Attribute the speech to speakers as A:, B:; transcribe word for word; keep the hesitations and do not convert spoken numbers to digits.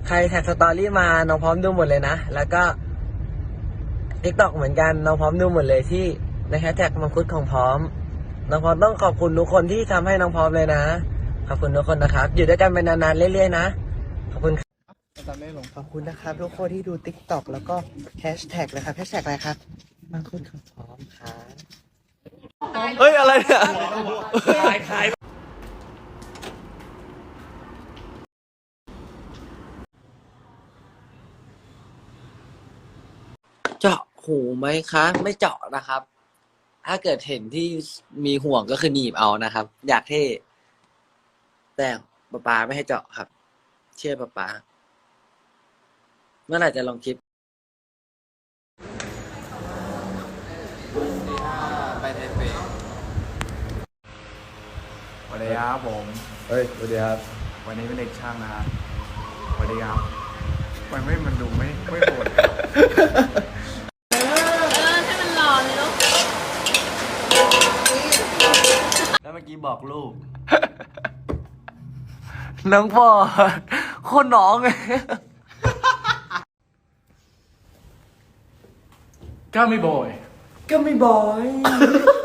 A: ใครแท็กสตอรี่มาน้องพร้อมดูหมดเลยนะแล้วก็ ติ๊กต็อก เหมือนกันน้องพร้อมดูหมดเลยที่ในแฮชแท็กมังคุดของพร้อมน้องพร้อมต้องขอบคุณทุกคนที่ทำให้น้องพร้อมเลยนะขอบคุณทุกคนนะครับอยู่ด้วยกันไปนานๆเรื่อยๆนะขอบคุณขอบคุณนะครับทุกคนที่ดู ติ๊กต็อก แล้วก็แฮชแท็กเลยครับแฮชแท็กอะไรครับมังคุดของพร้อมครับเฮ้ยอะไรเนี่ยขายขายเจาะหูไหมคะไม่เจาะนะครับถ้าเกิดเห็นที่มีห่วงก็คือหนีบเอานะครับ อยากเท่แต่ป๊าป๊าไม่ให้เจาะครับ เชื่อป๊าป๊าเมื่อไหร่จะลองคลิปไปเทเป
B: สวัสดีครับผม
C: เฮ้ยสวัสดีครับ
B: วันนี้เป็นเด็กช่างนะครับสวัสดีครับมันไม่มันดูไม่ไม่โหด
C: แล้วเมื่อกี้บอกลูก
A: น้องพ่อโคตรน้องเลย
B: ก็ไม่บ่อย
A: ก็ไม่บอย